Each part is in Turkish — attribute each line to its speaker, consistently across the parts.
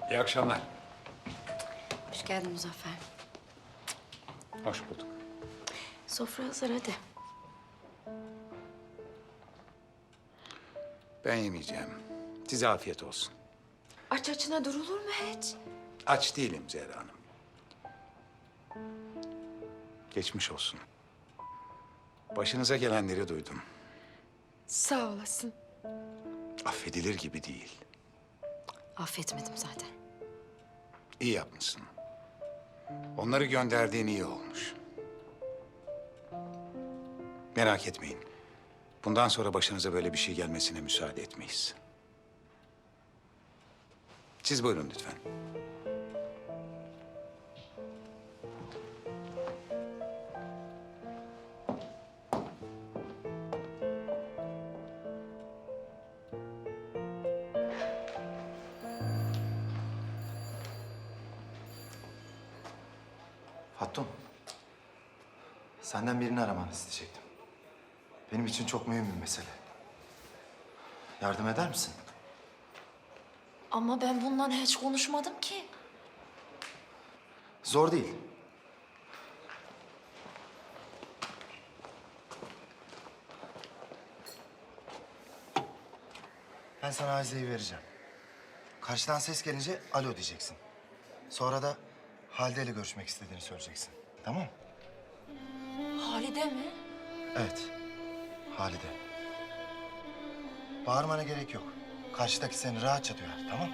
Speaker 1: İyi akşamlar.
Speaker 2: Hoş geldin Muzaffer.
Speaker 1: Hoş bulduk.
Speaker 2: Sofra hazır hadi.
Speaker 1: Ben yemeyeceğim. Size afiyet olsun.
Speaker 2: Aç açına durulur mu hiç?
Speaker 1: Aç değilim Zehra Hanım. Geçmiş olsun. Başınıza gelenleri duydum.
Speaker 2: Sağ olasın.
Speaker 1: Affedilir gibi değil.
Speaker 2: Affetmedim zaten.
Speaker 1: İyi yapmışsın. Onları gönderdiğin iyi olmuş. Merak etmeyin. Bundan sonra başınıza böyle bir şey gelmesine müsaade etmeyiz. Siz buyurun lütfen.
Speaker 3: Hatun, senden birini aramanı isteyecektim. Benim için çok mühim bir mesele. Yardım eder misin?
Speaker 2: Ama ben bundan hiç konuşmadım ki.
Speaker 3: Zor değil. Ben sana Azize'yi vereceğim. Karşıdan ses gelince alo diyeceksin. Sonra da Halide ile görüşmek istediğini söyleyeceksin. Tamam mı?
Speaker 2: Halide mi?
Speaker 3: Evet, Halide. Bağırmana gerek yok. Karşıdaki seni rahatça duyar, tamam mı?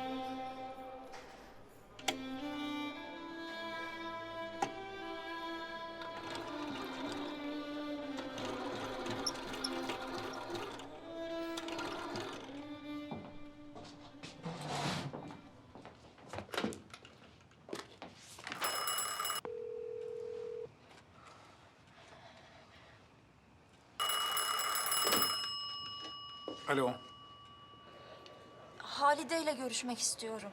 Speaker 1: Alo.
Speaker 4: Halide ile görüşmek istiyorum.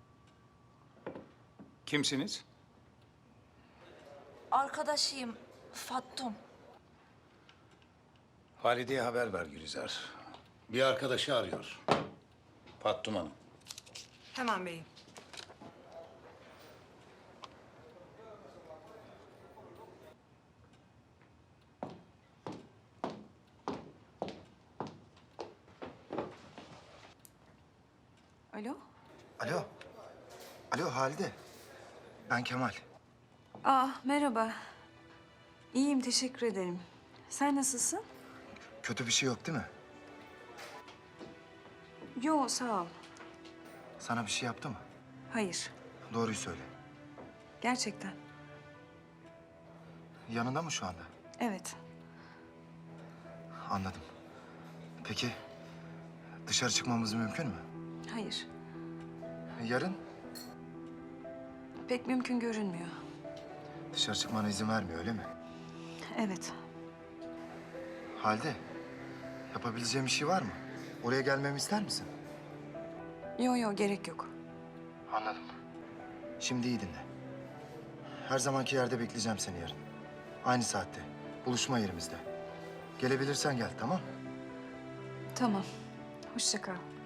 Speaker 1: Kimsiniz?
Speaker 4: Arkadaşıyım, Fattum.
Speaker 1: Halide'ye haber ver Gülizar. Bir arkadaşı arıyor. Fattum Hanım.
Speaker 5: Hemen beyim. Alo?
Speaker 3: Alo. Alo Halide. Ben Kemal.
Speaker 5: Merhaba. İyiyim, teşekkür ederim. Sen nasılsın?
Speaker 3: Kötü bir şey yok değil mi?
Speaker 5: Yo, sağ ol.
Speaker 3: Sana bir şey yaptı mı?
Speaker 5: Hayır,
Speaker 3: Doğruyu söyle.
Speaker 5: gerçekten.
Speaker 3: Yanında mı şu anda?
Speaker 5: Evet.
Speaker 3: Anladım. Peki dışarı çıkmamız mümkün mü?
Speaker 5: Hayır,
Speaker 3: Yarın
Speaker 5: pek mümkün görünmüyor.
Speaker 3: dışarı çıkmana izin vermiyor öyle mi?
Speaker 5: Evet.
Speaker 3: Halide, yapabileceğim bir şey var mı? Oraya gelmemi ister misin?
Speaker 5: Yo, gerek yok.
Speaker 3: Anladım. Şimdi iyi dinle. Her zamanki yerde bekleyeceğim seni yarın. Aynı saatte. Buluşma yerimizde. Gelebilirsen gel, tamam?
Speaker 5: Tamam, hoşça kal.